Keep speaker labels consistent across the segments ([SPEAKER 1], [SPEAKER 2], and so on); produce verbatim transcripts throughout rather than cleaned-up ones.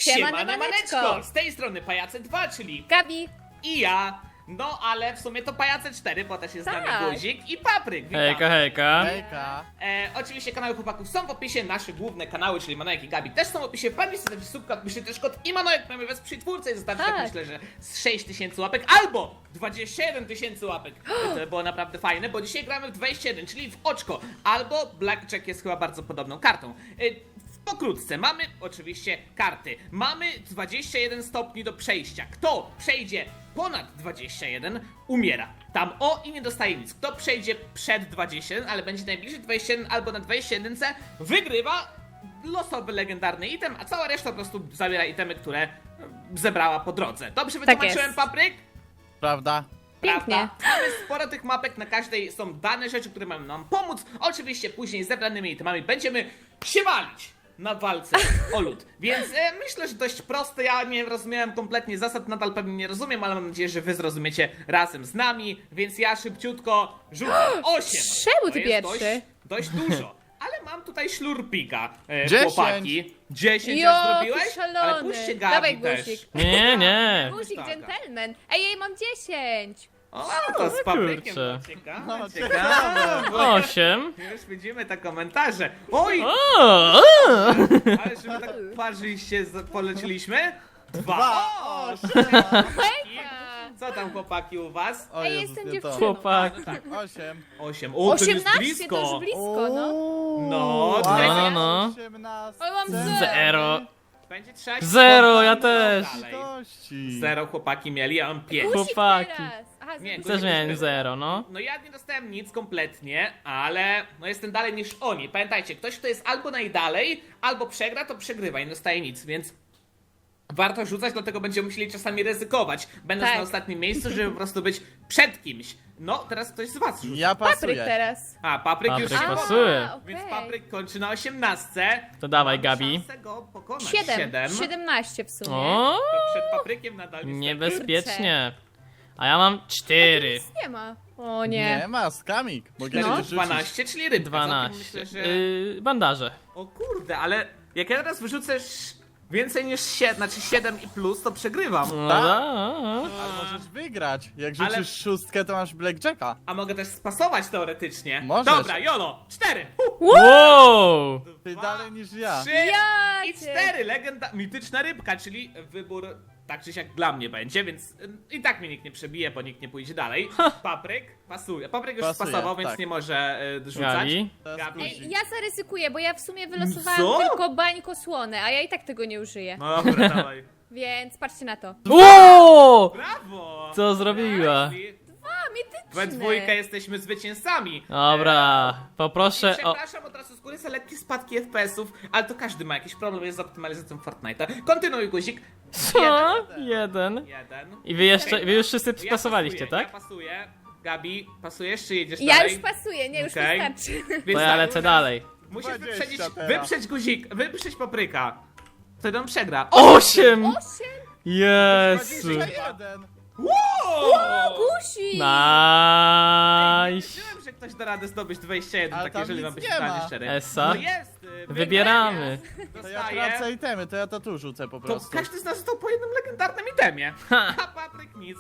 [SPEAKER 1] Siemano,
[SPEAKER 2] maneczko!
[SPEAKER 1] maneczko!
[SPEAKER 2] Z tej strony Pajace dwa, czyli
[SPEAKER 1] Gabi!
[SPEAKER 2] i ja. No ale w sumie to Pajace cztery, bo też jest z nami
[SPEAKER 1] Tak.
[SPEAKER 2] Guzik i Papryk. Witam.
[SPEAKER 3] Hejka, hejka.
[SPEAKER 4] Hejka.
[SPEAKER 2] E, oczywiście kanały chłopaków są w opisie, nasze główne kanały, czyli Manojek i Gabi też są w opisie. Wpadnijcie sobie subka, myślę też kod i Manojek mamy wesprzeć twórcę i zostawcie tak
[SPEAKER 1] Tak.
[SPEAKER 2] myślę, że z sześć tysięcy łapek albo dwadzieścia jeden tysięcy łapek. To było naprawdę fajne, bo dzisiaj gramy w dwadzieścia jeden, czyli w oczko, albo Blackjack jest chyba bardzo podobną kartą. E, Pokrótce, mamy oczywiście karty. Mamy dwadzieścia jeden stopni do przejścia. Kto przejdzie ponad dwadzieścia jeden, umiera. Tam o i nie dostaje nic. Kto przejdzie przed dwadzieścia jeden, ale będzie najbliżej dwadzieścia jeden albo na dwadzieścia jeden, wygrywa losowy legendarny item, a cała reszta po prostu zabiera itemy, które zebrała po drodze. Dobrze wytłumaczyłem,
[SPEAKER 1] jest.
[SPEAKER 2] Papryk?
[SPEAKER 4] Prawda?
[SPEAKER 1] Pięknie.
[SPEAKER 2] Prawda? Mamy sporo tych mapek, na każdej są dane rzeczy, które mają nam pomóc. Oczywiście później z zebranymi itemami będziemy się walić na walce o lód. Więc e, myślę, że dość proste. Ja nie rozumiałem kompletnie zasad, nadal pewnie nie rozumiem, ale mam nadzieję, że wy zrozumiecie razem z nami. Więc ja szybciutko rzucę osiem.
[SPEAKER 1] Czemu
[SPEAKER 2] To
[SPEAKER 1] ty
[SPEAKER 2] jest
[SPEAKER 1] pierwszy?
[SPEAKER 2] Dość, dość dużo. Ale mam tutaj szlurpika, e,
[SPEAKER 4] Dziesięć.
[SPEAKER 2] chłopaki. dziesięć
[SPEAKER 1] Jo,
[SPEAKER 2] już zrobiłeś?
[SPEAKER 1] ty szalony.
[SPEAKER 2] Ale puśćcie Gabi
[SPEAKER 1] Dawaj,
[SPEAKER 2] też.
[SPEAKER 1] guzik.
[SPEAKER 3] Nie, nie.
[SPEAKER 1] Guzik,
[SPEAKER 2] Tak.
[SPEAKER 1] gentleman. Ej, jej mam dziesięć.
[SPEAKER 2] O, to z paprykiem.
[SPEAKER 3] kurczę.
[SPEAKER 2] No, ciekawe,
[SPEAKER 4] No,
[SPEAKER 2] ciekawe.
[SPEAKER 3] Osiem.
[SPEAKER 2] Już widzimy te komentarze. Oj!
[SPEAKER 3] O, o.
[SPEAKER 2] Ale żeby tak parzyście z- poleciliśmy? Dwa!
[SPEAKER 4] Dwa.
[SPEAKER 2] O,
[SPEAKER 1] Hejka.
[SPEAKER 2] co tam chłopaki u was?
[SPEAKER 4] O
[SPEAKER 1] Ej,
[SPEAKER 4] Jezus,
[SPEAKER 1] jestem
[SPEAKER 4] nie to.
[SPEAKER 1] dziewczyną.
[SPEAKER 3] Chłopak.
[SPEAKER 2] Tak,
[SPEAKER 4] Osiem.
[SPEAKER 2] osiem. O, to jest
[SPEAKER 1] osiemnaście
[SPEAKER 2] blisko.
[SPEAKER 1] to już blisko, no.
[SPEAKER 4] Uuu,
[SPEAKER 2] No,
[SPEAKER 4] wow.
[SPEAKER 2] tutaj-
[SPEAKER 3] No, no, no.
[SPEAKER 4] osiemnaście.
[SPEAKER 1] Oj, mam zero.
[SPEAKER 3] Zero.
[SPEAKER 2] Będzie trzeba się
[SPEAKER 3] Zero, ja
[SPEAKER 2] spotkać
[SPEAKER 3] też.
[SPEAKER 2] dalej.
[SPEAKER 4] Litości.
[SPEAKER 2] Zero chłopaki mieli, ja mam pięć.
[SPEAKER 1] Guzik
[SPEAKER 3] Chłopaki.
[SPEAKER 1] teraz. Aha,
[SPEAKER 2] Nie,
[SPEAKER 1] guzik.
[SPEAKER 3] Też miałem zero, no.
[SPEAKER 2] No ja nie dostałem nic kompletnie, ale no jestem dalej niż oni. Pamiętajcie, ktoś kto jest albo najdalej, albo przegra, to przegrywa i nie dostaje nic, więc warto rzucać, dlatego będziemy musieli czasami ryzykować, będąc
[SPEAKER 1] Tak.
[SPEAKER 2] na ostatnim miejscu, żeby po prostu być przed kimś. No, teraz ktoś z was rzuca.
[SPEAKER 4] Ja
[SPEAKER 1] Papryk
[SPEAKER 4] pasuję.
[SPEAKER 1] teraz.
[SPEAKER 2] A, Papryk już
[SPEAKER 3] Papryk
[SPEAKER 2] się
[SPEAKER 3] pasuje.
[SPEAKER 2] poda, więc
[SPEAKER 1] okej.
[SPEAKER 2] Papryk kończy na osiemnastce.
[SPEAKER 3] To dawaj,
[SPEAKER 2] Mamy
[SPEAKER 3] Gabi.
[SPEAKER 2] szansę go pokonać.
[SPEAKER 1] Siedem.
[SPEAKER 2] Siedem.
[SPEAKER 1] Siedemnaście w sumie.
[SPEAKER 3] O,
[SPEAKER 2] To przed Paprykiem nadal niestety.
[SPEAKER 3] niebezpiecznie. A ja mam cztery.
[SPEAKER 1] Nic nie ma. O nie.
[SPEAKER 4] Nie ma, skamik. Mogę
[SPEAKER 2] Czyli
[SPEAKER 1] No.
[SPEAKER 4] no. rzucić.
[SPEAKER 2] dwanaście, czyli rybka. Zatem
[SPEAKER 3] Dwanaście.
[SPEAKER 2] Myślę, że...
[SPEAKER 3] Yy, bandaże.
[SPEAKER 2] O kurde, ale jak ja teraz wyrzucę sz- więcej niż siedem, znaczy siedem i plus, to przegrywam.
[SPEAKER 3] No,
[SPEAKER 4] Tak.
[SPEAKER 3] da.
[SPEAKER 4] Ale możesz wygrać. Jak rzucisz
[SPEAKER 2] Ale-
[SPEAKER 4] szóstkę, to masz blackjacka.
[SPEAKER 2] A mogę też spasować teoretycznie.
[SPEAKER 4] Możesz.
[SPEAKER 2] Dobra, Jolo, cztery,
[SPEAKER 3] Wow!
[SPEAKER 4] Ty
[SPEAKER 2] Dwa,
[SPEAKER 4] dalej niż ja.
[SPEAKER 2] trzy
[SPEAKER 1] Ja
[SPEAKER 2] i
[SPEAKER 1] cię.
[SPEAKER 2] cztery. Legenda, mityczna rybka, czyli wybór tak czy siak dla mnie będzie, więc y, i tak mnie nikt nie przebije, bo nikt nie pójdzie dalej. Papryk pasuje. Papryk już
[SPEAKER 4] Pasuje,
[SPEAKER 2] spasował, więc
[SPEAKER 4] tak.
[SPEAKER 2] nie może y, rzucać.
[SPEAKER 3] Gabi.
[SPEAKER 4] Teraz
[SPEAKER 2] Gabi.
[SPEAKER 4] guzik.
[SPEAKER 1] Ej, ja zaryzykuję, bo ja w sumie wylosowałam
[SPEAKER 2] Co?
[SPEAKER 1] tylko bańko słone, a ja i tak tego nie użyję.
[SPEAKER 2] No dobra, dawaj.
[SPEAKER 1] Więc patrzcie na to.
[SPEAKER 3] Wow!
[SPEAKER 2] Brawo!
[SPEAKER 3] Co zrobiła?
[SPEAKER 2] Nice.
[SPEAKER 1] A, mityczne.
[SPEAKER 2] We dwójkę jesteśmy zwycięzcami.
[SPEAKER 3] Dobra, poproszę o...
[SPEAKER 2] Przepraszam od razu z góry za lekkie spadki F P S ów, ale to każdy ma jakiś problem jest z optymalizacją Fortnite'a. Kontynuuj, guzik.
[SPEAKER 3] Co? Jeden.
[SPEAKER 2] Jeden.
[SPEAKER 3] I wy jeszcze, wy już wszyscy
[SPEAKER 2] Ja
[SPEAKER 3] spasowaliście,
[SPEAKER 2] pasuję,
[SPEAKER 3] tak?
[SPEAKER 2] Ja pasuję. Gabi, pasujesz czy jedziesz
[SPEAKER 1] Ja
[SPEAKER 2] dalej?
[SPEAKER 1] już pasuję, nie, już
[SPEAKER 2] Okej.
[SPEAKER 1] wystarczy.
[SPEAKER 2] Więc
[SPEAKER 3] To ja
[SPEAKER 2] tak,
[SPEAKER 3] lecę
[SPEAKER 2] teraz
[SPEAKER 3] dalej.
[SPEAKER 2] Musisz
[SPEAKER 4] dwadzieścia
[SPEAKER 2] wyprzedzić,
[SPEAKER 4] teraz.
[SPEAKER 2] wyprzeć guzik, wyprzeć Papryka. Wtedy on przegra.
[SPEAKER 3] Osiem!
[SPEAKER 1] Osiem?
[SPEAKER 3] Jezu!
[SPEAKER 4] dwadzieścia jeden.
[SPEAKER 2] Wow!
[SPEAKER 1] Gusi!
[SPEAKER 3] Nice!
[SPEAKER 2] Nie wiedziałem, że ktoś da radę zdobyć dwadzieścia jeden,
[SPEAKER 4] Ale
[SPEAKER 2] tak
[SPEAKER 4] tam
[SPEAKER 2] jeżeli
[SPEAKER 4] nic
[SPEAKER 2] mam być
[SPEAKER 4] nie
[SPEAKER 2] totalnie
[SPEAKER 4] ma.
[SPEAKER 2] szczery.
[SPEAKER 3] Essa?
[SPEAKER 2] No jest! y,
[SPEAKER 3] Wybieramy.
[SPEAKER 4] To ja
[SPEAKER 2] Dostaję.
[SPEAKER 4] tracę itemy, to ja to tu rzucę po
[SPEAKER 2] To
[SPEAKER 4] prostu.
[SPEAKER 2] każdy z nas dostał po jednym legendarnym itemie.
[SPEAKER 3] Ha.
[SPEAKER 2] A Papryk nic.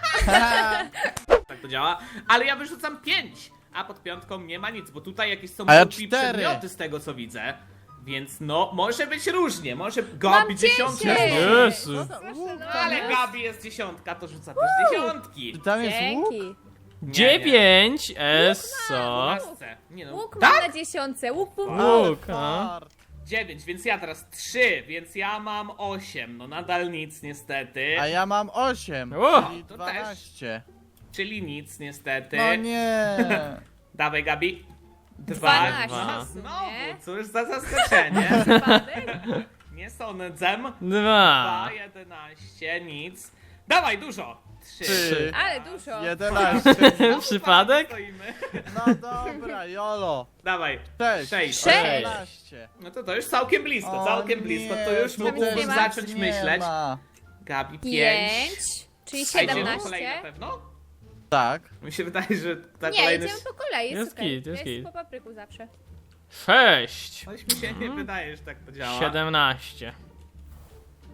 [SPEAKER 2] Tak to działa. Ale ja wyrzucam pięć, a pod piątką nie ma nic, bo tutaj jakieś są
[SPEAKER 4] A ja
[SPEAKER 2] głupi
[SPEAKER 4] cztery.
[SPEAKER 2] przedmioty z tego co widzę. Więc no, może być różnie, może
[SPEAKER 1] Mam
[SPEAKER 2] Gabi dziesiątka.
[SPEAKER 1] dziesięć!
[SPEAKER 3] Jezu.
[SPEAKER 4] Co to? Łuk
[SPEAKER 2] No,
[SPEAKER 4] tam
[SPEAKER 2] ale
[SPEAKER 4] jest?
[SPEAKER 2] Gabi jest dziesiątka, to rzuca też dziesiątki.
[SPEAKER 4] Czy tam jest łuk?
[SPEAKER 1] Dzięki.
[SPEAKER 3] Dziewięć! Eso!
[SPEAKER 2] Lasce. Nie no,
[SPEAKER 1] Łuk
[SPEAKER 2] tak?
[SPEAKER 1] mam na dziesiątce, łuk był
[SPEAKER 4] Ale
[SPEAKER 3] Łuk, a?
[SPEAKER 4] fart.
[SPEAKER 2] dziewięć, więc ja teraz trzy, więc ja mam osiem. No nadal nic niestety.
[SPEAKER 4] A ja mam osiem,
[SPEAKER 3] O!
[SPEAKER 4] czyli
[SPEAKER 2] To też.
[SPEAKER 4] dwanaście.
[SPEAKER 2] Czyli nic niestety.
[SPEAKER 4] No nie.
[SPEAKER 2] Dawaj Gabi. Dwa.
[SPEAKER 1] Dwanaście
[SPEAKER 2] Dwa.
[SPEAKER 1] w sumie.
[SPEAKER 2] Znowu, cóż za zaskoczenie.
[SPEAKER 1] przypadek.
[SPEAKER 2] Nie sądzę.
[SPEAKER 3] Dwa!
[SPEAKER 2] Dwa, jedenaście, nic. Dawaj, dużo. Trzy.
[SPEAKER 4] Trzy.
[SPEAKER 1] Ale dużo.
[SPEAKER 4] jedenaście.
[SPEAKER 2] Znowu
[SPEAKER 3] Przypadek?
[SPEAKER 2] stoimy.
[SPEAKER 4] No dobra, jolo.
[SPEAKER 2] Dawaj.
[SPEAKER 4] Sześć.
[SPEAKER 2] Sześć.
[SPEAKER 1] Sześć.
[SPEAKER 4] osiemnaście.
[SPEAKER 2] No to to już całkiem blisko,
[SPEAKER 4] O
[SPEAKER 2] całkiem
[SPEAKER 4] nie,
[SPEAKER 2] blisko. To już
[SPEAKER 4] tu
[SPEAKER 2] mógłbym
[SPEAKER 1] nie ma.
[SPEAKER 2] zacząć
[SPEAKER 4] nie
[SPEAKER 2] myśleć.
[SPEAKER 4] ma.
[SPEAKER 2] Gabi, pięć.
[SPEAKER 1] Pięć. Czyli
[SPEAKER 2] A idziemy po kolei na
[SPEAKER 1] siedemnaście.
[SPEAKER 2] pewno?
[SPEAKER 4] Tak.
[SPEAKER 2] Mi się wydaje, że ta
[SPEAKER 1] Nie,
[SPEAKER 2] kolejność...
[SPEAKER 1] idziemy po kolei, jest,
[SPEAKER 3] Jest
[SPEAKER 1] okej.
[SPEAKER 3] git, jest
[SPEAKER 1] Ja
[SPEAKER 3] git.
[SPEAKER 1] po papryku zawsze.
[SPEAKER 3] Sześć!
[SPEAKER 2] Coś mi się nie wydaje, że tak to działa.
[SPEAKER 3] Siedemnaście.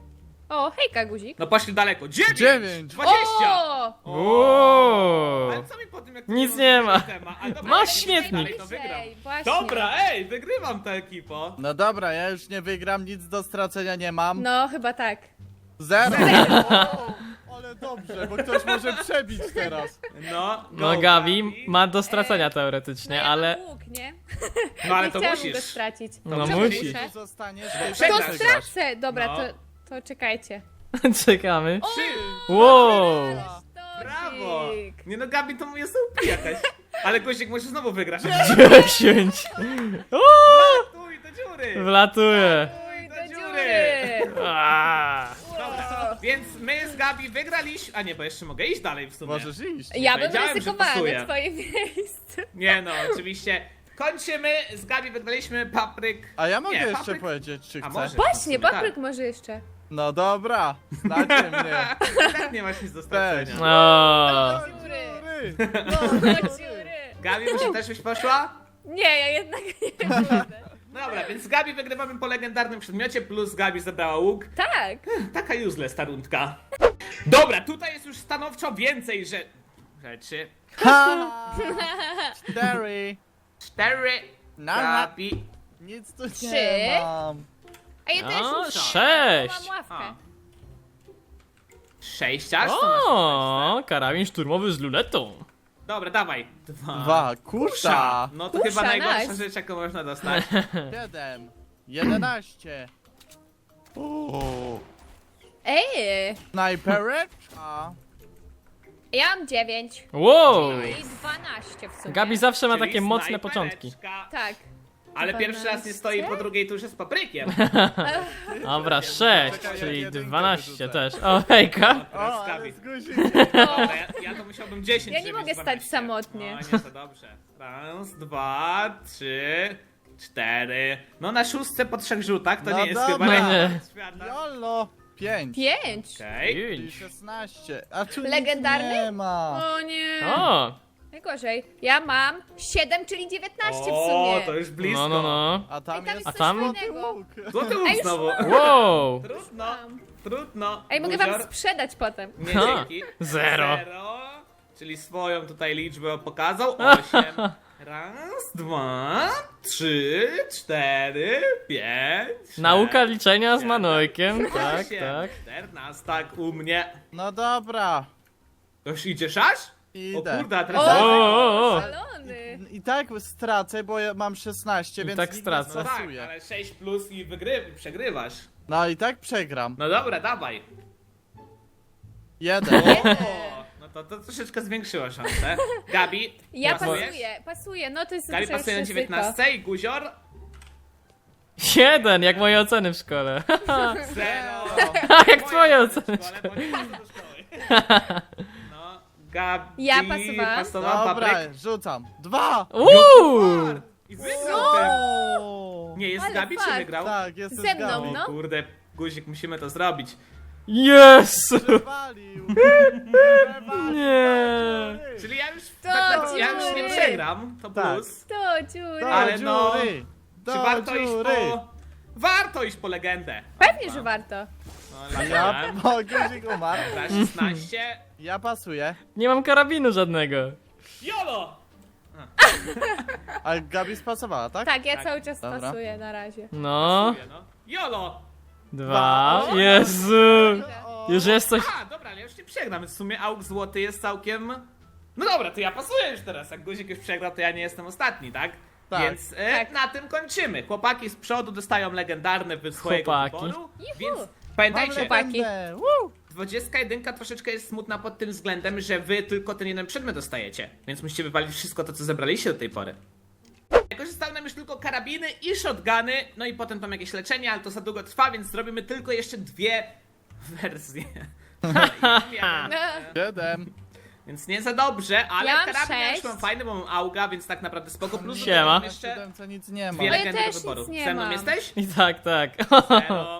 [SPEAKER 1] O, hejka, guzik.
[SPEAKER 2] No poszli daleko. dziewięć!
[SPEAKER 4] Dziewięć.
[SPEAKER 2] dwadzieścia!
[SPEAKER 1] O!
[SPEAKER 3] Uuu.
[SPEAKER 2] Ale co mi po tym, jak
[SPEAKER 3] Nic
[SPEAKER 2] to
[SPEAKER 3] nie ma.
[SPEAKER 2] temat? Ale dobra,
[SPEAKER 3] Masz
[SPEAKER 2] jak nie
[SPEAKER 3] śmietnik.
[SPEAKER 2] dalej, to wygram.
[SPEAKER 1] Najwyżej, właśnie.
[SPEAKER 2] Dobra, ej, wygrywam tę ekipo.
[SPEAKER 4] No dobra, ja już nie wygram, nic do stracenia nie mam.
[SPEAKER 1] No, chyba tak.
[SPEAKER 4] Zero! O, ale dobrze, bo ktoś może przebić teraz.
[SPEAKER 2] No,
[SPEAKER 3] No
[SPEAKER 2] go,
[SPEAKER 3] Gabi ma do stracenia teoretycznie,
[SPEAKER 1] No, ja
[SPEAKER 3] ale...
[SPEAKER 1] mam łuk, nie?
[SPEAKER 2] No ale
[SPEAKER 1] Nie
[SPEAKER 2] to
[SPEAKER 1] chciałam go
[SPEAKER 2] musisz.
[SPEAKER 1] stracić.
[SPEAKER 3] No
[SPEAKER 1] Czemu
[SPEAKER 3] musisz.
[SPEAKER 1] muszę?
[SPEAKER 4] Tu zostaniesz,
[SPEAKER 2] No,
[SPEAKER 4] to
[SPEAKER 1] To
[SPEAKER 2] przegrasz.
[SPEAKER 1] stracę! Dobra,
[SPEAKER 2] No.
[SPEAKER 1] to, to czekajcie.
[SPEAKER 3] Czekamy.
[SPEAKER 2] Trzy.
[SPEAKER 3] Wow.
[SPEAKER 2] Brawo! Nie no, Gabi to mu jest O P jakaś. Ale Gościek może znowu wygrać.
[SPEAKER 3] dziesięć. Uuu.
[SPEAKER 2] Tuj do dziury!
[SPEAKER 3] Wlatuje.
[SPEAKER 2] Tuj
[SPEAKER 1] Do
[SPEAKER 2] do dziury!
[SPEAKER 1] dziury!
[SPEAKER 3] Aaa.
[SPEAKER 2] Dobra, więc my z Gabi wygraliśmy. A nie, bo jeszcze mogę iść dalej w sumie.
[SPEAKER 4] Możesz iść.
[SPEAKER 1] Ja bym
[SPEAKER 2] Powiedziałem, że
[SPEAKER 1] ryzykowała
[SPEAKER 2] pasuje.
[SPEAKER 1] na twoje miejsce.
[SPEAKER 2] Nie no, oczywiście. Kończymy, z Gabi wygraliśmy papryk.
[SPEAKER 4] A ja mogę
[SPEAKER 2] Nie,
[SPEAKER 4] jeszcze
[SPEAKER 2] papryk-
[SPEAKER 4] powiedzieć, czy
[SPEAKER 2] A
[SPEAKER 4] chcę.
[SPEAKER 2] może?
[SPEAKER 1] Właśnie,
[SPEAKER 2] Tak.
[SPEAKER 1] papryk może jeszcze.
[SPEAKER 4] No dobra, znacie mnie.
[SPEAKER 2] Tak nie masz nic do stracenia.
[SPEAKER 3] O.
[SPEAKER 1] Do dziury.
[SPEAKER 4] Dziury.
[SPEAKER 1] Do dziury.
[SPEAKER 2] Gabi, może też byś poszła?
[SPEAKER 1] Nie, ja jednak nie będę.
[SPEAKER 2] No dobra, więc z Gabi wygrywamy po legendarnym przedmiocie, plus Gabi zabrała łuk.
[SPEAKER 1] Tak.
[SPEAKER 2] Taka useless ta rundka. Dobra, tutaj jest już stanowczo więcej że... rzeczy.
[SPEAKER 4] Ha! Cztery.
[SPEAKER 2] Cztery.
[SPEAKER 4] Na-
[SPEAKER 2] Gabi.
[SPEAKER 4] Nic tu
[SPEAKER 1] Trzy.
[SPEAKER 4] nie mam.
[SPEAKER 1] A ja też
[SPEAKER 3] O,
[SPEAKER 1] już
[SPEAKER 3] sześć.
[SPEAKER 1] mam ławkę.
[SPEAKER 2] A. Sześć aż? To masz
[SPEAKER 3] O, karabin szturmowy z luletą.
[SPEAKER 2] Dobra, dawaj. Dwa.
[SPEAKER 4] Dwa. Kusza.
[SPEAKER 2] No to
[SPEAKER 1] Kusza,
[SPEAKER 2] chyba najgorsza
[SPEAKER 1] nice.
[SPEAKER 2] rzecz, jaką można dostać.
[SPEAKER 4] Siedem. Jedenaście. O.
[SPEAKER 1] Ej,
[SPEAKER 4] Snajpereczka.
[SPEAKER 1] ja mam dziewięć.
[SPEAKER 3] Wow.
[SPEAKER 1] I dwanaście w sumie.
[SPEAKER 3] Gabi zawsze ma
[SPEAKER 2] Czyli
[SPEAKER 3] takie mocne
[SPEAKER 2] snajpereczka.
[SPEAKER 3] początki.
[SPEAKER 1] Tak.
[SPEAKER 2] Ale pierwszy raz nie stoi po
[SPEAKER 1] dwanaście?
[SPEAKER 2] drugiej turze z paprykiem.
[SPEAKER 3] Dobra, sześć,
[SPEAKER 4] Czekaj, ja
[SPEAKER 3] czyli
[SPEAKER 4] jedynkę
[SPEAKER 3] dwanaście
[SPEAKER 4] wyrzucę.
[SPEAKER 3] też. O, hejka.
[SPEAKER 2] Teraz
[SPEAKER 4] O,
[SPEAKER 2] Gabi.
[SPEAKER 4] ale z guzikiem.
[SPEAKER 2] Dobra, ja, ja to musiałbym dziesięć.
[SPEAKER 1] Ja nie
[SPEAKER 2] żeby
[SPEAKER 1] mogę
[SPEAKER 2] mieć
[SPEAKER 1] stać
[SPEAKER 2] dwanaście.
[SPEAKER 1] samotnie.
[SPEAKER 2] No nie, to dobrze. Raz, dwa, trzy, cztery. No na szóstce po trzech rzutach to
[SPEAKER 4] No
[SPEAKER 2] nie jest
[SPEAKER 4] dobra.
[SPEAKER 2] chyba
[SPEAKER 3] Nie.
[SPEAKER 2] rekord świata.
[SPEAKER 4] Jolo. Pięć.
[SPEAKER 1] Pięć.
[SPEAKER 2] Okej.
[SPEAKER 4] Czyli
[SPEAKER 3] Pięć.
[SPEAKER 4] szesnaście. A tu
[SPEAKER 1] Legendarny?
[SPEAKER 4] nic nie ma.
[SPEAKER 1] O nie.
[SPEAKER 3] O,
[SPEAKER 1] Najgorzej. Ja mam siedem, czyli dziewiętnaście w
[SPEAKER 2] O,
[SPEAKER 1] sumie.
[SPEAKER 2] to już blisko.
[SPEAKER 3] no, no, no.
[SPEAKER 4] A tam
[SPEAKER 1] Ej, tam
[SPEAKER 4] jest
[SPEAKER 1] jest
[SPEAKER 3] A tam?
[SPEAKER 1] coś fajnego.
[SPEAKER 4] łuk.
[SPEAKER 2] Złoty łuk
[SPEAKER 1] Ej, już
[SPEAKER 2] znowu.
[SPEAKER 3] Wow.
[SPEAKER 2] Trudno,
[SPEAKER 1] Mam.
[SPEAKER 2] trudno.
[SPEAKER 1] Ej, mogę wam
[SPEAKER 2] Buzior.
[SPEAKER 1] sprzedać potem.
[SPEAKER 2] Nie,
[SPEAKER 3] Ha,
[SPEAKER 2] dzięki.
[SPEAKER 3] zero.
[SPEAKER 2] Zero. Czyli swoją tutaj liczbę pokazał. Osiem. Raz, dwa, trzy, cztery, pięć.
[SPEAKER 3] Nauka
[SPEAKER 2] sześć,
[SPEAKER 3] liczenia z
[SPEAKER 2] siedem,
[SPEAKER 3] Manojkiem, tak,
[SPEAKER 2] osiem,
[SPEAKER 3] tak.
[SPEAKER 2] czternaście, tak u mnie.
[SPEAKER 4] No dobra.
[SPEAKER 2] To już idziesz aż? O
[SPEAKER 4] Idę.
[SPEAKER 2] kurde, a
[SPEAKER 1] O,
[SPEAKER 2] teraz...
[SPEAKER 3] O, o, o.
[SPEAKER 1] szalony.
[SPEAKER 4] I tak stracę, bo ja mam szesnaście,
[SPEAKER 3] I
[SPEAKER 4] więc
[SPEAKER 3] tak
[SPEAKER 4] nikt
[SPEAKER 3] stracę.
[SPEAKER 4] nie
[SPEAKER 2] No tak,
[SPEAKER 4] stresuje.
[SPEAKER 2] ale sześć plus i wygry... przegrywasz.
[SPEAKER 4] No i tak przegram.
[SPEAKER 2] No dobra, dawaj.
[SPEAKER 4] Jeden.
[SPEAKER 2] O, no to, to troszeczkę zwiększyło szansę. Gabi,
[SPEAKER 1] Ja
[SPEAKER 2] pasujesz?
[SPEAKER 1] pasuję, pasuję. No to jest
[SPEAKER 2] Gabi
[SPEAKER 1] zawsze
[SPEAKER 2] pasuje na
[SPEAKER 1] ryzyko.
[SPEAKER 2] dziewiętnaście i Guzior
[SPEAKER 3] Jeden, jak moje oceny w szkole.
[SPEAKER 2] zero.
[SPEAKER 3] Jak twoje oceny w
[SPEAKER 2] Szkole,
[SPEAKER 3] szkole.
[SPEAKER 2] bo nie chodzę do szkoły. No, Gabi
[SPEAKER 1] Ja pasowałam.
[SPEAKER 2] pasowała
[SPEAKER 4] Dobra,
[SPEAKER 2] papryk.
[SPEAKER 4] rzucam. Dwa!
[SPEAKER 3] Uuu.
[SPEAKER 2] I wygrał ten.
[SPEAKER 4] O!
[SPEAKER 2] Nie, jest
[SPEAKER 1] Ale
[SPEAKER 2] Gabi czy
[SPEAKER 1] fakt.
[SPEAKER 2] wygrał?
[SPEAKER 4] Tak, jestem
[SPEAKER 1] Ze mną,
[SPEAKER 4] z Gabi.
[SPEAKER 1] no.
[SPEAKER 2] Kurde, Guzik, musimy to zrobić.
[SPEAKER 3] Jezu.
[SPEAKER 4] Przewalił. Przewalił.
[SPEAKER 3] Nie.
[SPEAKER 2] Czyli ja już,
[SPEAKER 1] To
[SPEAKER 2] tak, na- ja już nie
[SPEAKER 1] dziury.
[SPEAKER 2] przegram, to
[SPEAKER 4] Tak.
[SPEAKER 2] plus.
[SPEAKER 1] Do dziury.
[SPEAKER 4] Do
[SPEAKER 2] Ale no,
[SPEAKER 4] dziury. Do
[SPEAKER 2] Czy warto iść
[SPEAKER 4] dziury.
[SPEAKER 2] po... Warto iść po legendę.
[SPEAKER 1] Pewnie, że warto.
[SPEAKER 2] No,
[SPEAKER 4] A
[SPEAKER 2] ale
[SPEAKER 4] ja
[SPEAKER 2] ja...
[SPEAKER 4] po guzik umarł.
[SPEAKER 2] Za szesnaście.
[SPEAKER 4] Ja pasuję.
[SPEAKER 3] Nie mam karabinu żadnego.
[SPEAKER 2] Jolo!
[SPEAKER 4] A Gabi spasowała, tak?
[SPEAKER 1] Tak, ja
[SPEAKER 2] Tak.
[SPEAKER 1] cały czas
[SPEAKER 4] Dobra.
[SPEAKER 1] pasuję na razie.
[SPEAKER 3] No.
[SPEAKER 2] No. Jolo!
[SPEAKER 3] Dwa.
[SPEAKER 4] Dwa.
[SPEAKER 3] Jezu.
[SPEAKER 4] O.
[SPEAKER 3] Już jest coś.
[SPEAKER 2] A, dobra, ale ja już nie przegram, więc w sumie auk złoty jest całkiem... No dobra, to ja pasuję już teraz. Jak Guzik już przegrał, to ja nie jestem ostatni, tak?
[SPEAKER 4] Tak.
[SPEAKER 2] Więc e,
[SPEAKER 1] Tak.
[SPEAKER 2] na tym kończymy. Chłopaki z przodu dostają legendarne wy swojego
[SPEAKER 3] Chłopaki.
[SPEAKER 2] wyboru.
[SPEAKER 1] Juhu.
[SPEAKER 2] Więc
[SPEAKER 4] Mam
[SPEAKER 2] pamiętajcie,
[SPEAKER 1] chłopaki.
[SPEAKER 4] legendę. Woo!
[SPEAKER 2] dwudziestka jeden troszeczkę jest smutna pod tym względem, że wy tylko ten jeden przedmiot dostajecie. Więc musicie wywalić wszystko to, co zebraliście do tej pory. Jako, że zostały nam już tylko karabiny i shotguny, no i potem tam jakieś leczenie, ale to za długo trwa, więc zrobimy tylko jeszcze dwie wersje.
[SPEAKER 1] No.
[SPEAKER 4] Siedem.
[SPEAKER 2] Więc nie za dobrze, ale
[SPEAKER 1] Ja mam
[SPEAKER 2] karabin ja już
[SPEAKER 1] sześć.
[SPEAKER 2] mam fajny, bo mam auga, więc tak naprawdę spoko. Plus
[SPEAKER 3] Siema.
[SPEAKER 2] mam
[SPEAKER 4] Na
[SPEAKER 2] jeszcze
[SPEAKER 4] siódemce nic nie ma.
[SPEAKER 2] dwie
[SPEAKER 1] No ja
[SPEAKER 2] legendy
[SPEAKER 1] też
[SPEAKER 2] do wyboru.
[SPEAKER 1] nic nie
[SPEAKER 2] Ze mną
[SPEAKER 1] mam.
[SPEAKER 2] jesteś?
[SPEAKER 3] I tak, tak.
[SPEAKER 2] Zero,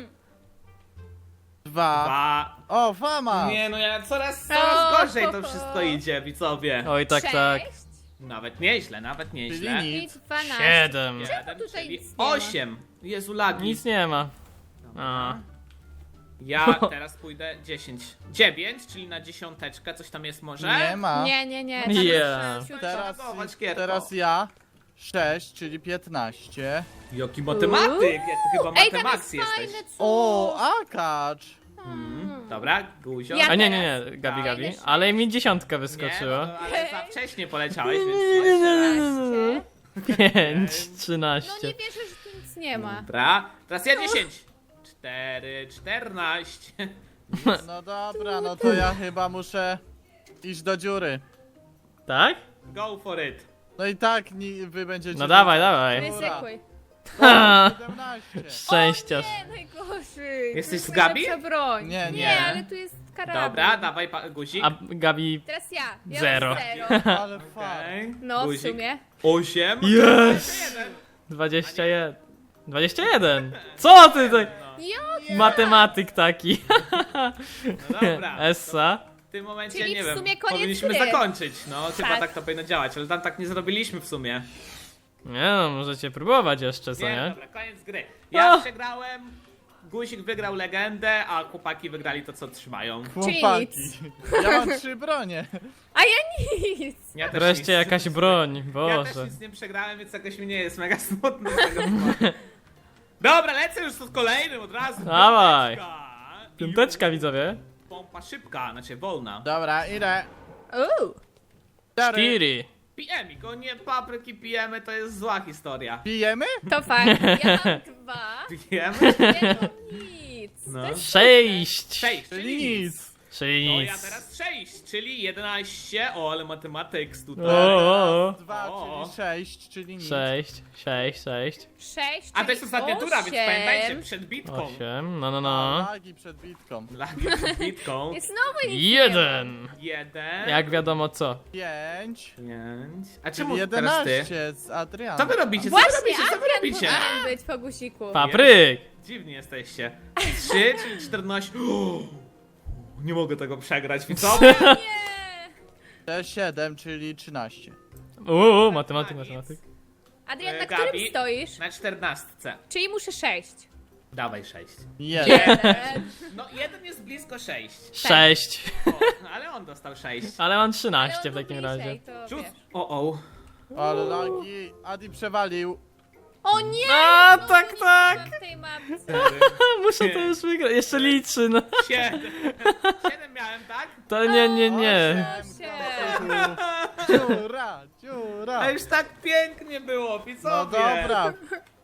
[SPEAKER 4] Dwa.
[SPEAKER 2] dwa.
[SPEAKER 4] O, fama!
[SPEAKER 2] Nie no, ja coraz, coraz
[SPEAKER 1] O,
[SPEAKER 2] gorzej to
[SPEAKER 1] ho, ho.
[SPEAKER 2] wszystko idzie, widzowie.
[SPEAKER 3] Oj, tak, tak.
[SPEAKER 1] Sześć
[SPEAKER 2] Nawet nieźle, nawet nieźle.
[SPEAKER 4] Czyli
[SPEAKER 1] i
[SPEAKER 4] nic.
[SPEAKER 1] dwanaście.
[SPEAKER 3] Siedem.
[SPEAKER 2] Jeden,
[SPEAKER 1] tutaj
[SPEAKER 2] czyli
[SPEAKER 1] nic nie ma?
[SPEAKER 2] osiem. Jezu, lagi.
[SPEAKER 3] Nic nie ma. A.
[SPEAKER 2] Ja teraz pójdę dziesięć. dziewięć, czyli na dziesiąteczkę, coś tam jest może?
[SPEAKER 4] Nie ma.
[SPEAKER 1] Nie, nie, nie.
[SPEAKER 3] Nie.
[SPEAKER 1] jest szybciutko.
[SPEAKER 4] Teraz,
[SPEAKER 2] Zareagować, Kierko.
[SPEAKER 4] teraz ja. sześć, czyli piętnaście.
[SPEAKER 2] Jaki matematyk, jak ty chyba
[SPEAKER 1] Ej, tam jest
[SPEAKER 2] matematyk jesteś.
[SPEAKER 1] fajne coś.
[SPEAKER 4] O, akacz.
[SPEAKER 2] Mm, dobra, Guzio.
[SPEAKER 1] Ja
[SPEAKER 3] A nie, nie,
[SPEAKER 1] teraz.
[SPEAKER 3] nie, Gabi, Gabi.
[SPEAKER 1] Fajne
[SPEAKER 3] Ale mi dziesiątka
[SPEAKER 2] Nie,
[SPEAKER 3] wyskoczyła.
[SPEAKER 2] no, ale za wcześnie poleciałeś, więc jeszcze raz.
[SPEAKER 3] pięć,
[SPEAKER 1] No
[SPEAKER 3] trzynaście.
[SPEAKER 1] nie wierzę, że tu nic nie ma.
[SPEAKER 2] Dobra, teraz ja dziesięć. cztery, czternaście.
[SPEAKER 4] No dobra, no to ja chyba muszę iść do dziury.
[SPEAKER 3] Tak?
[SPEAKER 2] Go for it.
[SPEAKER 4] No i tak ni- wy będziecie...
[SPEAKER 3] No dawaj, dawaj.
[SPEAKER 1] Ryzykuj.
[SPEAKER 4] O, siedemnaście.
[SPEAKER 3] Szczęściarz.
[SPEAKER 1] Nie, najgorzej.
[SPEAKER 2] Jesteś
[SPEAKER 1] To
[SPEAKER 2] z
[SPEAKER 1] jest
[SPEAKER 2] Gabi?
[SPEAKER 1] najlepsza broń.
[SPEAKER 4] Nie,
[SPEAKER 1] Nie,
[SPEAKER 4] nie.
[SPEAKER 1] ale tu jest karabin.
[SPEAKER 2] Dobra, dawaj pa- guzik.
[SPEAKER 3] A Gabi...
[SPEAKER 1] Teraz ja. ja
[SPEAKER 3] Zero.
[SPEAKER 1] mam zero.
[SPEAKER 4] Ale fart.
[SPEAKER 2] Okej.
[SPEAKER 1] No, w
[SPEAKER 2] Guzik.
[SPEAKER 1] sumie.
[SPEAKER 2] osiem.
[SPEAKER 3] Yes! dwadzieścia jeden. dwadzieścia jeden. Co ty tak?
[SPEAKER 1] Jo,
[SPEAKER 3] Matematyk taki.
[SPEAKER 2] No dobra.
[SPEAKER 3] Essa.
[SPEAKER 2] W tym momencie,
[SPEAKER 1] Czyli
[SPEAKER 2] nie
[SPEAKER 1] w
[SPEAKER 2] wiem,
[SPEAKER 1] sumie koniec
[SPEAKER 2] powinniśmy
[SPEAKER 1] gry.
[SPEAKER 2] zakończyć. No, chyba
[SPEAKER 1] Tak.
[SPEAKER 2] tak to powinno działać, ale tam tak nie zrobiliśmy w sumie.
[SPEAKER 3] Nie no, możecie próbować jeszcze, co
[SPEAKER 2] Nie,
[SPEAKER 3] nie?
[SPEAKER 2] dobra, koniec gry. Ja
[SPEAKER 3] O!
[SPEAKER 2] przegrałem, Guzik wygrał legendę, a chłopaki wygrali to, co trzymają.
[SPEAKER 4] Chłopaki.
[SPEAKER 1] nic.
[SPEAKER 4] Ja mam trzy bronie.
[SPEAKER 1] a ja nic.
[SPEAKER 2] Ja też
[SPEAKER 3] Wreszcie
[SPEAKER 2] nic-
[SPEAKER 3] jakaś broń,
[SPEAKER 2] Ja też
[SPEAKER 3] Boże.
[SPEAKER 2] nic nie przegrałem, więc jakoś mi nie jest mega smutno z tego powodu. Dobra, lecę już z kolejnym od razu.
[SPEAKER 3] Dawaj.
[SPEAKER 2] Piąteczka.
[SPEAKER 3] Piąteczka, widzowie.
[SPEAKER 2] Pompa szybka, znaczy wolna.
[SPEAKER 4] Dobra, idę.
[SPEAKER 1] Uuu.
[SPEAKER 4] Cztery.
[SPEAKER 3] Cztery.
[SPEAKER 2] Pijemy, go nie papryki pijemy, to jest zła historia.
[SPEAKER 4] Pijemy?
[SPEAKER 1] To fakt. Ja mam dwa.
[SPEAKER 2] Pijemy?
[SPEAKER 1] Nie mam nic.
[SPEAKER 2] No.
[SPEAKER 1] To jest
[SPEAKER 3] Sześć.
[SPEAKER 2] sześć,
[SPEAKER 4] Czyli
[SPEAKER 2] czyli nic.
[SPEAKER 4] nic.
[SPEAKER 3] Czyli
[SPEAKER 2] No
[SPEAKER 3] nic.
[SPEAKER 2] ja teraz sześć, czyli jedenaście. O, ale matematyks tutaj.
[SPEAKER 3] O, o, o.
[SPEAKER 4] Dwa,
[SPEAKER 2] O.
[SPEAKER 4] czyli sześć, czyli nic.
[SPEAKER 3] Sześć, sześć, sześć.
[SPEAKER 1] sześć,
[SPEAKER 2] A to jest
[SPEAKER 1] czyli
[SPEAKER 2] ostatnia tura, więc
[SPEAKER 1] osiem.
[SPEAKER 2] pamiętajcie, przed bitką.
[SPEAKER 3] Osiem, no no
[SPEAKER 4] O,
[SPEAKER 3] no.
[SPEAKER 4] lagi przed bitką.
[SPEAKER 2] Lagi przed bitką.
[SPEAKER 1] I znowu nic
[SPEAKER 3] Jeden.
[SPEAKER 2] Jeden.
[SPEAKER 3] Jak wiadomo co.
[SPEAKER 4] Pięć.
[SPEAKER 2] Pięć. A
[SPEAKER 4] Czyli
[SPEAKER 2] czemu teraz ty?
[SPEAKER 4] jedenaście z Adrianem.
[SPEAKER 2] Co wy robicie?
[SPEAKER 1] nie ma.
[SPEAKER 2] Co wy
[SPEAKER 1] Właśnie,
[SPEAKER 2] robicie? Co wy
[SPEAKER 1] Adrian
[SPEAKER 2] robicie?
[SPEAKER 1] powinien być po guziku.
[SPEAKER 3] Papryk.
[SPEAKER 2] Dziwni jesteście. Trzy, czyli czternaście. O, nie mogę tego przegrać, więc co?
[SPEAKER 1] Nie.
[SPEAKER 4] siedem, czyli trzynaście.
[SPEAKER 3] Uuu, matematyk, matematyk.
[SPEAKER 1] Adrian,
[SPEAKER 2] E,
[SPEAKER 1] na
[SPEAKER 2] Gabi?
[SPEAKER 1] którym stoisz?
[SPEAKER 2] Na czternastce.
[SPEAKER 1] Czyli muszę sześć.
[SPEAKER 2] Dawaj sześć.
[SPEAKER 4] Jeden.
[SPEAKER 1] Jeden.
[SPEAKER 2] No jeden jest blisko sześć.
[SPEAKER 3] Sześć.
[SPEAKER 2] O, ale on dostał sześć.
[SPEAKER 3] Ale mam
[SPEAKER 1] Ale on
[SPEAKER 3] trzynaście w
[SPEAKER 1] był
[SPEAKER 3] takim
[SPEAKER 1] bliżej,
[SPEAKER 3] razie.
[SPEAKER 1] to
[SPEAKER 2] Rzut.
[SPEAKER 1] wiesz.
[SPEAKER 2] O, o.
[SPEAKER 4] Ale lagi. Adi przewalił.
[SPEAKER 1] O nie!
[SPEAKER 3] A,
[SPEAKER 1] znowu
[SPEAKER 3] tak,
[SPEAKER 1] nic
[SPEAKER 3] tak.
[SPEAKER 1] nie mam w tej mapce.
[SPEAKER 3] Muszę to już wygrać. Jeszcze liczy, no.
[SPEAKER 2] Siedem. Siedem miałem, tak?
[SPEAKER 3] To nie, nie, nie.
[SPEAKER 1] Osiem.
[SPEAKER 4] Dziura, dziura.
[SPEAKER 2] A już tak pięknie było,
[SPEAKER 4] No
[SPEAKER 2] widzowie.
[SPEAKER 4] dobra.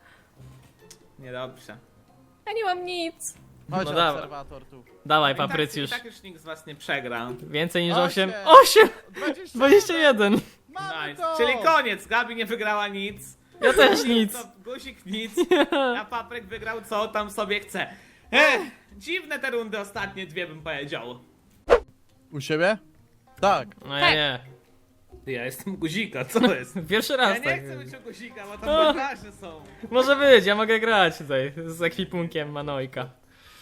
[SPEAKER 2] Niedobrze.
[SPEAKER 1] Ja nie mam nic.
[SPEAKER 4] Chodź,
[SPEAKER 3] No dawaj.
[SPEAKER 4] obserwator tu.
[SPEAKER 3] Dawaj,
[SPEAKER 2] I tak,
[SPEAKER 3] Paprycjusz.
[SPEAKER 2] I tak już nikt z was nie przegra.
[SPEAKER 3] Więcej niż
[SPEAKER 4] Osiem.
[SPEAKER 3] osiem. Osiem!
[SPEAKER 4] dwadzieścia
[SPEAKER 3] Dwadzieścia jeden.
[SPEAKER 4] Mamy
[SPEAKER 2] Nice.
[SPEAKER 4] to.
[SPEAKER 2] Czyli koniec. Gabi nie wygrała nic.
[SPEAKER 3] Ja też nic.
[SPEAKER 2] To Guzik nic. A Papryk wygrał co tam sobie chce. Ech, dziwne te rundy ostatnie dwie bym powiedział.
[SPEAKER 4] U siebie? Tak.
[SPEAKER 3] No ja
[SPEAKER 1] Tak.
[SPEAKER 3] nie.
[SPEAKER 2] Ty, ja jestem Guzika, co jest?
[SPEAKER 3] Pierwszy
[SPEAKER 2] Ja
[SPEAKER 3] raz
[SPEAKER 2] nie
[SPEAKER 3] tak.
[SPEAKER 2] chcę być u Guzika, bo
[SPEAKER 3] O.
[SPEAKER 2] tam bandaże są.
[SPEAKER 3] Może być, ja mogę grać tutaj z ekwipunkiem Manojka.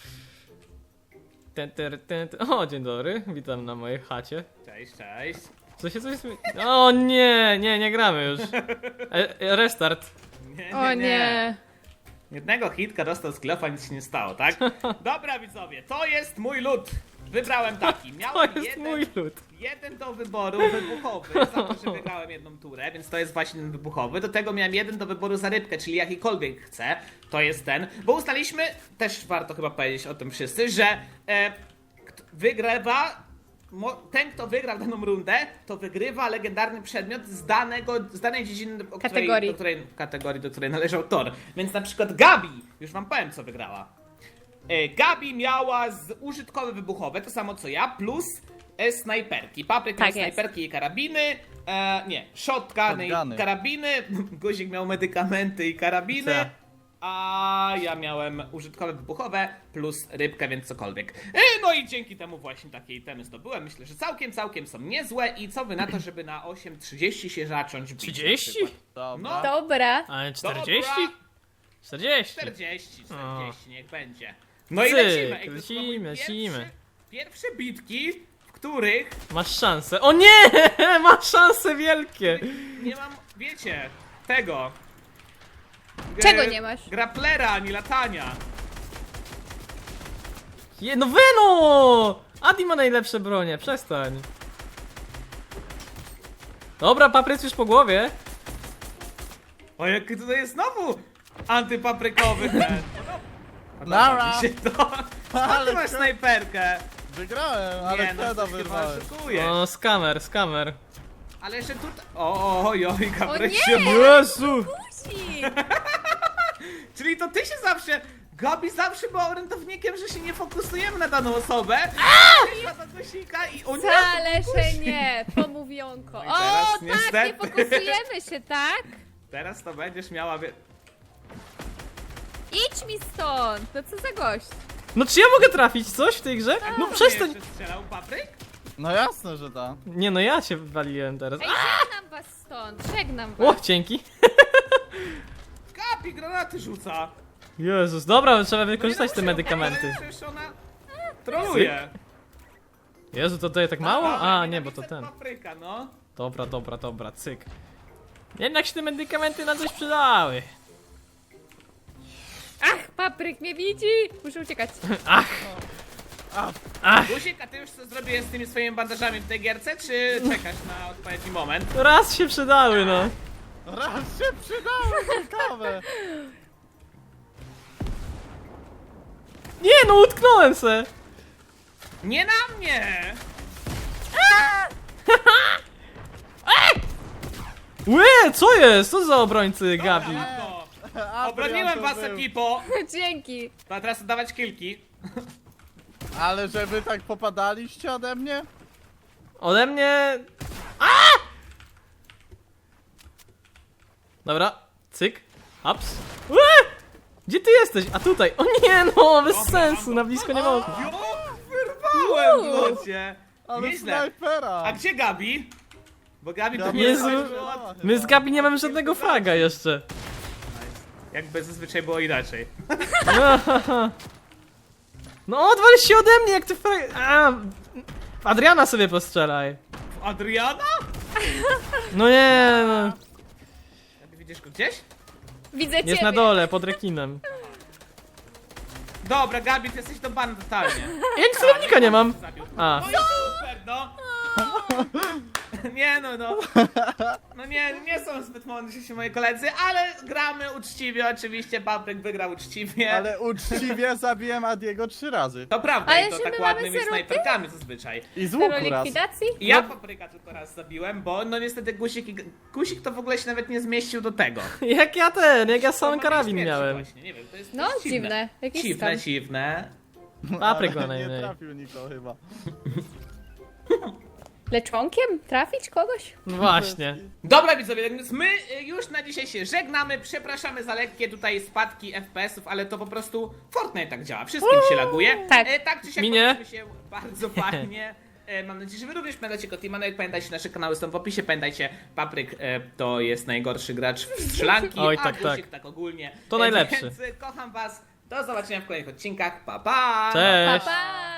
[SPEAKER 3] Ten, ten, ten, ten. O, dzień dobry, witam na mojej chacie.
[SPEAKER 2] Cześć, cześć.
[SPEAKER 3] Co się coś smi... O nie, nie, nie gramy już. E, e, restart.
[SPEAKER 2] Nie,
[SPEAKER 1] O nie.
[SPEAKER 2] Jednego hitka dostał z klofa, nic się nie stało, tak? Dobra widzowie, to jest mój lód. Wybrałem taki.
[SPEAKER 3] To
[SPEAKER 2] Miałem
[SPEAKER 3] jest
[SPEAKER 2] jeden,
[SPEAKER 3] mój lód.
[SPEAKER 2] jeden do wyboru wybuchowy, za to, że wygrałem jedną turę, więc to jest właśnie ten wybuchowy. Do tego miałem jeden do wyboru za rybkę, czyli jakikolwiek chcę. To jest ten. Bo ustaliliśmy, też warto chyba powiedzieć o tym wszyscy, że e, kt- wygrywa mo- ten, kto wygrał daną rundę, to wygrywa legendarny przedmiot z danego, z danej dziedziny, o której,
[SPEAKER 1] Kategorii.
[SPEAKER 2] do której, kategorii, do której należał tor. Więc na przykład Gabi, już wam powiem co wygrała. E, Gabi miała z użytkowe wybuchowe, to samo co ja, plus e, snajperki. Papryk miał
[SPEAKER 1] Tak jest.
[SPEAKER 2] snajperki i karabiny, e, nie, shotguny i
[SPEAKER 4] Shotguny.
[SPEAKER 2] karabiny, Guzik miał medykamenty i karabiny,
[SPEAKER 3] Co?
[SPEAKER 2] a ja miałem użytkowe wybuchowe plus rybkę, więc cokolwiek. E, no i dzięki temu właśnie takie itemy zdobyłem. Myślę, że całkiem, całkiem są niezłe i co wy na to, żeby na osiem trzydzieści się zacząć bić? na
[SPEAKER 3] trzydzieści?
[SPEAKER 2] przykład?
[SPEAKER 4] Dobra.
[SPEAKER 2] No.
[SPEAKER 1] Dobra.
[SPEAKER 3] Ale czterdzieści?
[SPEAKER 2] Dobra.
[SPEAKER 3] czterdzieści.
[SPEAKER 2] czterdzieści,
[SPEAKER 3] O.
[SPEAKER 2] czterdzieści, niech będzie. No i
[SPEAKER 3] Cyk,
[SPEAKER 2] lecimy. Ej, to są
[SPEAKER 3] lecimy,
[SPEAKER 2] moje
[SPEAKER 3] lecimy.
[SPEAKER 2] Pierwsze, pierwsze bitki, w których
[SPEAKER 3] Masz szansę. O nie! Masz szanse wielkie!
[SPEAKER 2] nie mam, wiecie, tego. G-
[SPEAKER 1] Czego nie masz?
[SPEAKER 2] Graplera, ani latania.
[SPEAKER 3] Je, no Veno! Adi ma najlepsze bronie, przestań. Dobra, papryc już po głowie.
[SPEAKER 2] O, jaki tutaj jest znowu antypaprykowy ten.
[SPEAKER 4] Nara.
[SPEAKER 2] Mi się to. A ty masz
[SPEAKER 4] Ale
[SPEAKER 2] snajperkę.
[SPEAKER 4] wygrałem, ale
[SPEAKER 2] Nie, no
[SPEAKER 4] wtedy
[SPEAKER 2] coś chyba
[SPEAKER 4] wyrwałem.
[SPEAKER 2] oszukuje.
[SPEAKER 3] O, skamer, skamer.
[SPEAKER 2] Ale jeszcze tutaj... O, oj, oj,
[SPEAKER 1] O
[SPEAKER 2] Gabryk
[SPEAKER 1] nie!
[SPEAKER 2] się...
[SPEAKER 3] Jezu!
[SPEAKER 1] Musi!
[SPEAKER 2] Czyli to ty się zawsze... Gabi zawsze była orędownikiem, że się nie fokusujemy na daną osobę. Wyszła do guzika i... O nie!
[SPEAKER 1] Wcale, że nie, pomówionko.
[SPEAKER 2] i
[SPEAKER 1] O,
[SPEAKER 2] teraz
[SPEAKER 1] tak, nie
[SPEAKER 2] niestety.
[SPEAKER 1] fokusujemy się, tak?
[SPEAKER 2] Teraz to będziesz miała... Wie...
[SPEAKER 1] Idź mi stąd, no co za gość.
[SPEAKER 3] No czy ja mogę trafić coś w tej grze? No przestań!
[SPEAKER 2] Jeszcze strzelał papryk?
[SPEAKER 4] No jasne, że tak.
[SPEAKER 3] Nie no, ja cię waliłem teraz.
[SPEAKER 1] Ej, żegnam was stąd, żegnam was.
[SPEAKER 3] O, dzięki.
[SPEAKER 2] Gabi granaty rzuca.
[SPEAKER 3] Jezus, dobra, trzeba wykorzystać te
[SPEAKER 2] No nie, no,
[SPEAKER 3] medykamenty.
[SPEAKER 2] Przecież ona troluje.
[SPEAKER 3] Jezu, to daje tak mało? A, nie, bo to ten.
[SPEAKER 2] Papryka, no.
[SPEAKER 3] Dobra, dobra, dobra, cyk. Jednak się te medykamenty na coś przydały.
[SPEAKER 1] Ach, papryk mnie widzi! Muszę uciekać.
[SPEAKER 3] Ach! Ach!
[SPEAKER 2] Guzik, a ty już co zrobiłeś z tymi swoimi bandażami w tej gierce, czy czekasz na odpowiedni moment?
[SPEAKER 3] Raz się przydały, no.
[SPEAKER 4] Raz się przydało, ciekawe.
[SPEAKER 3] Nie no, utknąłem se.
[SPEAKER 2] Nie na mnie!
[SPEAKER 3] Łe, co jest? Co za obrońcy, Gabi?
[SPEAKER 2] Brawo.
[SPEAKER 4] Adrian
[SPEAKER 2] Obroniłem
[SPEAKER 4] to
[SPEAKER 2] was,
[SPEAKER 4] był.
[SPEAKER 2] ekipo!
[SPEAKER 1] Dzięki.
[SPEAKER 2] A teraz oddawać kilki.
[SPEAKER 4] Ale że wy tak popadaliście ode mnie?
[SPEAKER 3] Ode mnie... A! Dobra, cyk, ups. Łe! Gdzie ty jesteś? A tutaj. O nie no, bez
[SPEAKER 2] Dobra,
[SPEAKER 3] sensu,
[SPEAKER 2] mam
[SPEAKER 3] na
[SPEAKER 2] to.
[SPEAKER 3] blisko nie można.
[SPEAKER 2] Jo, wyrwałem w locie!
[SPEAKER 4] Ale
[SPEAKER 2] Nieźle.
[SPEAKER 4] snajpera.
[SPEAKER 2] A gdzie Gabi? Bo Gabi to
[SPEAKER 4] Gabi
[SPEAKER 2] nie
[SPEAKER 3] Jezu.
[SPEAKER 2] jest...
[SPEAKER 3] My z Gabi nie mamy żadnego fraga jeszcze.
[SPEAKER 2] Jakby zazwyczaj było inaczej.
[SPEAKER 3] No odwal się ode mnie, jak ty frag... A, w Adriana sobie postrzelaj.
[SPEAKER 2] Adriana?
[SPEAKER 3] No nie no.
[SPEAKER 2] Gabi, widzisz go gdzieś?
[SPEAKER 1] Widzę
[SPEAKER 3] Jest
[SPEAKER 1] ciebie.
[SPEAKER 3] na dole, pod rekinem.
[SPEAKER 2] Dobra, Gabi, ty jesteś to ban totalnie.
[SPEAKER 3] Ja nic celownika nie mam.
[SPEAKER 2] Zabił.
[SPEAKER 3] A.
[SPEAKER 2] No i super, no! Nie no, no. No nie, nie są zbyt mądrzy się moi koledzy, ale gramy uczciwie, oczywiście. Papryk wygrał uczciwie.
[SPEAKER 4] Ale uczciwie zabiłem Adiego trzy razy.
[SPEAKER 2] To prawda,
[SPEAKER 1] Ale
[SPEAKER 2] i to
[SPEAKER 1] że
[SPEAKER 2] tak
[SPEAKER 1] my mamy
[SPEAKER 2] ładnymi
[SPEAKER 1] zero
[SPEAKER 2] snajperkami zazwyczaj.
[SPEAKER 4] I z
[SPEAKER 1] Zero
[SPEAKER 4] łuku raz.
[SPEAKER 1] likwidacji?
[SPEAKER 2] I ja papryka tylko raz zabiłem, bo no niestety guzik, i... guzik to w ogóle się nawet nie zmieścił do tego.
[SPEAKER 3] Jak ja ten, jak ja sam
[SPEAKER 2] To ma
[SPEAKER 3] karabin
[SPEAKER 2] być
[SPEAKER 3] miałem.
[SPEAKER 2] pierwszy Właśnie, nie wiem, to jest, to
[SPEAKER 1] No,
[SPEAKER 2] jest
[SPEAKER 1] dziwne. Jakiś
[SPEAKER 2] Dziwne,
[SPEAKER 1] skam.
[SPEAKER 2] dziwne.
[SPEAKER 3] Papryk ma
[SPEAKER 4] Ale nie
[SPEAKER 3] najmniej.
[SPEAKER 4] trafił nikogo chyba.
[SPEAKER 1] Leczonkiem? Trafić kogoś?
[SPEAKER 3] No właśnie.
[SPEAKER 2] Dobra widzowie, tak więc my y, już na dzisiaj się żegnamy, przepraszamy za lekkie tutaj spadki F P S ów, ale to po prostu Fortnite tak działa, wszystkim się laguje.
[SPEAKER 1] Tak.
[SPEAKER 2] E, tak czy siak
[SPEAKER 3] Minie?
[SPEAKER 2] bawiliśmy się bardzo fajnie. E, mam nadzieję, że wy również pamiętacie Kotimanek, pamiętajcie, nasze kanały są w opisie, pamiętajcie, Papryk e, to jest najgorszy gracz w strzelanki,
[SPEAKER 3] Oj,
[SPEAKER 2] a
[SPEAKER 3] tak,
[SPEAKER 2] Guzik
[SPEAKER 3] tak.
[SPEAKER 2] tak ogólnie.
[SPEAKER 3] To
[SPEAKER 2] E,
[SPEAKER 3] najlepszy.
[SPEAKER 2] Więc e, kocham was, do zobaczenia w kolejnych odcinkach, pa pa!
[SPEAKER 3] Cześć.
[SPEAKER 1] Pa, pa!